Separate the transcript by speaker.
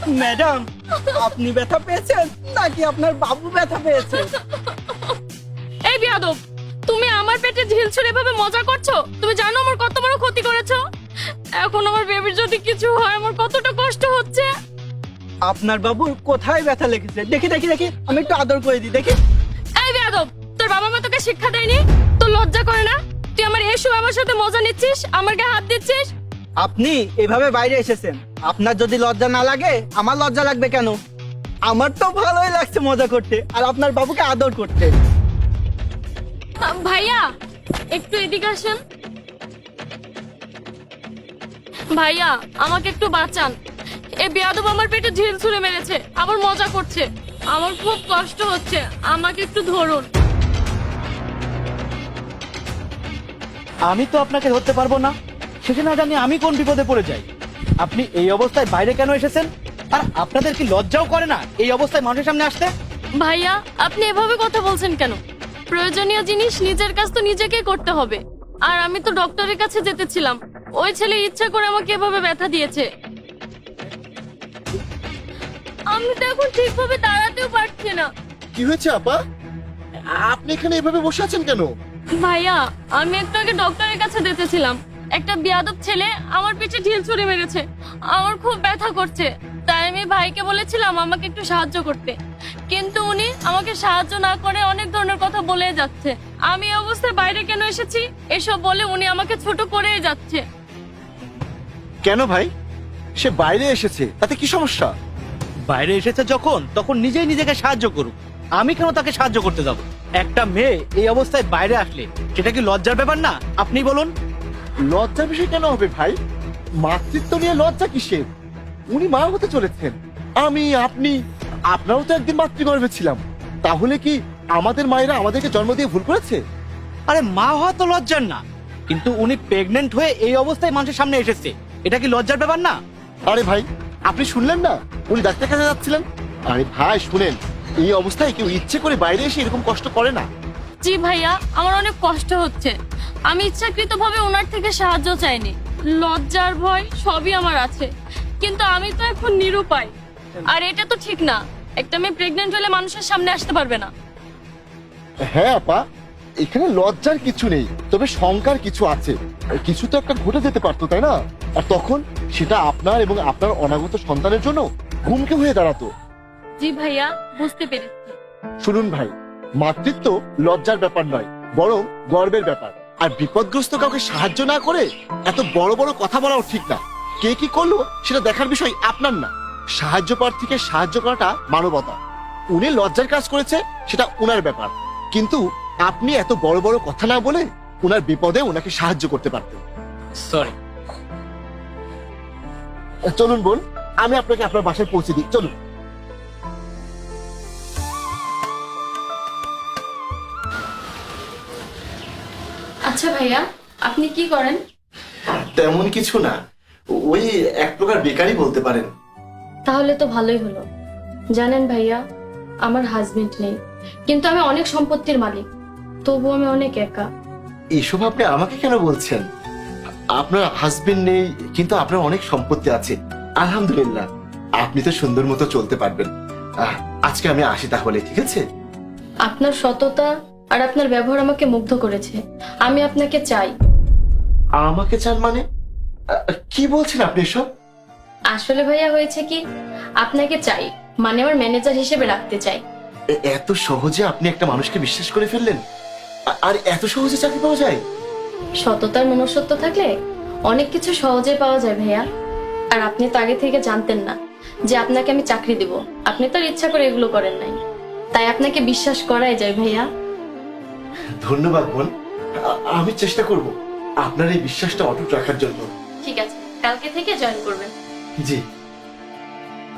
Speaker 1: Madam, আপনি ব্যথা পেয়েছেন নাকি আপনার বাবু ব্যথা পেয়েছে?
Speaker 2: এই বিয়াদব, তুমি আমার পেটে ঢিল ছুঁড়ে এভাবে মজা করছো? তুমি জানো আমার কত বড় ক্ষতি করেছো? এখন আমার বেবির যদি কিছু হয় আমার কতটা কষ্ট হচ্ছে।
Speaker 1: আপনার বাবুর কোথায় ব্যথা লেগেছে? দেখি দেখি দেখি, আমি একটু আদর করে দিই, দেখি।
Speaker 2: এই বিয়াদব, তোর বাবা মা তোকে শিক্ষা দেয়নি? তোর লজ্জা করে না? তুই আমার এসো আমার সাথে মজা নিচ্ছিস, আমার গায়ে হাত দিচ্ছিস।
Speaker 1: আপনি এভাবে বাইরে এসেছেন, আপনার যদি লজ্জা না লাগে আমার লজ্জা লাগবে কেন? আমার তো ভালোই লাগছে মজা করতে আর আপনার বাবুকে আদর করতে।
Speaker 2: ভাইয়া একটু এদিকে আসেন। ভাইয়া আমাকে একটু বাঁচান, এই বিয়াদব আমার পেটে ঢিল ছুঁড়ে মেরেছে, আবার মজা করছে, আমার খুব কষ্ট হচ্ছে, আমাকে একটু ধরুন।
Speaker 3: আমি তো আপনাকে ধরতে পারবো না, সেটা না জানি আমি কোন বিপদে পড়ে যাই। আপনি এই অবস্থায় বাইরে কেন এসেছেন? আর আপনাদের কি লজ্জাও করে না এই অবস্থায় মানুষের সামনে আসতে?
Speaker 2: ভাইয়া আপনি এভাবে কথা বলছেন কেন? প্রয়োজনীয় জিনিস নিজের কাজ তো নিজেকেই করতে হবে। আর আমি তো ডক্টরের কাছে যেতেছিলাম, ওই ছেলে ইচ্ছা করে আমাকে এভাবে ব্যথা দিয়েছে। আমি তো এখন ঠিকভাবে দাঁড়াতেও পারছি না।
Speaker 4: কি হয়েছে আপা? আপনি এখানে এভাবে বসে আছেন কেন?
Speaker 2: ভাইয়া আমি একটু আগে ডক্টরের কাছে যেতেছিলাম, একটা বিয়াদব ছেলে আমার পিঠে ঢিল ছুঁড়ে মেরেছে, আমার খুব ব্যথা করছে। তাই আমি ভাইকে বলেছিলাম আমাকে একটু সাহায্য করতে, কিন্তু উনি আমাকে সাহায্য না করে অনেক ধরনের কথা বলে যাচ্ছে। আমি এই অবস্থায় বাইরে কেন এসেছি এসব বলে উনি আমাকে ছোট করেই যাচ্ছে।
Speaker 4: কেন ভাই? সে বাইরে এসেছে, তাতে কি সমস্যা?
Speaker 3: বাইরে এসেছে যখন, তখন নিজেই নিজেকে সাহায্য করুক। আমি কেন তাকে সাহায্য করতে যাব? একটা মেয়ে এই অবস্থায় বাইরে আসলে সেটা কি লজ্জার ব্যাপার না? আপনি বলুন।
Speaker 4: লজ্জার বিষয় কেন হবে ভাই? মাতৃত্ব নিয়ে লজ্জা কিসের? উনি মা হতে চলেছেন, আমি আপনি আপনারও তো একদিন মাতৃগর্ভে ছিলাম। তাহলে কি আমাদের মায়েরা আমাদেরকে জন্ম দিয়ে ভুল করেছে?
Speaker 3: আরে মা হওয়া তো লজ্জার না, কিন্তু উনি প্রেগনেন্ট হয়ে এই অবস্থায় মানুষের সামনে এসেছে, এটা কি লজ্জার ব্যাপার না?
Speaker 4: আরে ভাই, আপনি শুনলেন না উনি ডাক্তার কাছে যাচ্ছিলেন? আরে ভাই শুনেন, এই অবস্থায় কেউ ইচ্ছে করে বাইরে এসে এরকম কষ্ট করে না।
Speaker 2: জি ভাইয়া, আমার অনেক কষ্ট হচ্ছে, আমি ইচ্ছাকৃতভাবে ওনার থেকে সাহায্য চাইনি। লজ্জার ভয় সবই আমার আছে, কিন্তু আমি তো এখন নিরুপায়। আর এটা তো ঠিক না, একটা মেয়ে প্রেগনেন্ট হলে মানুষের সামনে আসতে পারবে না।
Speaker 4: হ্যাঁ আপা, এখানে লজ্জার কিছু নেই, তবে শঙ্কার কিছু আছে। কিছু তো একটা ঘটে যেতে পারতো, তাই না? আর তখন সেটা আপনার এবং আপনার অনাগত সন্তানের জন্য হুমকি হয়ে দাঁড়াতো।
Speaker 2: জি ভাইয়া, বুঝতে পেরেছি।
Speaker 4: শুনুন ভাই, মাতৃত্ব লজ্জার ব্যাপার নয়, বরং গর্বের ব্যাপার। আর বিপদগ্রস্ত কাউকে সাহায্য না করে এত বড় বড় কথা বলাও ঠিক না। কে কি করলো সেটা দেখার বিষয় আপনার না। সাহায্য প্রার্থীকে সাহায্য করাটা মানবতা। উনি লজ্জার কাজ করেছে, সেটা উনার ব্যাপার, কিন্তু আপনি এত বড় বড় কথা না বলে উনার বিপদে ওনাকে সাহায্য করতে পারতেন।
Speaker 3: সরি।
Speaker 4: চলুন বোন, আমি আপনাকে আপনার বাসায় পৌঁছে দিই, চলুন।
Speaker 2: আচ্ছা ভাইয়া, আপনি কি করেন?
Speaker 4: তেমন কিছু না, ওই এক প্রকার বেকারই বলতে পারেন।
Speaker 2: তাহলে তো ভালোই হলো। জানেন ভাইয়া, আমার হাজবেন্ড নেই, কিন্তু আমি অনেক সম্পত্তির মালিক, তবু আমি অনেক একা।
Speaker 4: এসব আপনি আমাকে কেন বলছেন? আপনার হাজবেন্ড নেই, কিন্তু আপনার অনেক সম্পত্তি আছে, আলহামদুলিল্লাহ। আপনি তো সুন্দর মতো চলতে পারবেন। আজকে আমি আসি তাহলে, ঠিক আছে?
Speaker 2: আপনার সততা আর আপনার ব্যবহার আমাকে মুগ্ধ করেছে, আমি আপনাকে চাই।
Speaker 4: আমাকে চান মানে? কি বলছেন আপনি এসব?
Speaker 2: আসলে ভাইয়া হয়েছে কি, আপনাকে চাই মানে আমার ম্যানেজার হিসেবে রাখতে চাই।
Speaker 4: এত সহজে আপনি একটা মানুষকে বিশ্বাস করে ফেললেন? আর এত সহজে চাকরি পাওয়া যায়?
Speaker 2: সততার মনুষ্যত্ব থাকলে অনেক কিছু সহজে পাওয়া যায় ভাইয়া। আর আপনি তো আগে থেকে জানতেন না যে আপনাকে আমি চাকরি দেব, আপনি তো আর ইচ্ছা করে এগুলো করেন নাই, তাই আপনাকে বিশ্বাস করাই যায় ভাইয়া।
Speaker 4: ধন্যবাদ বোন, আমি চেষ্টা করব আপনার এই বিশ্বাসটা অটুট রাখার জন্য।
Speaker 2: ঠিক আছে, কালকে থেকে জয়েন করবেন।
Speaker 4: জি।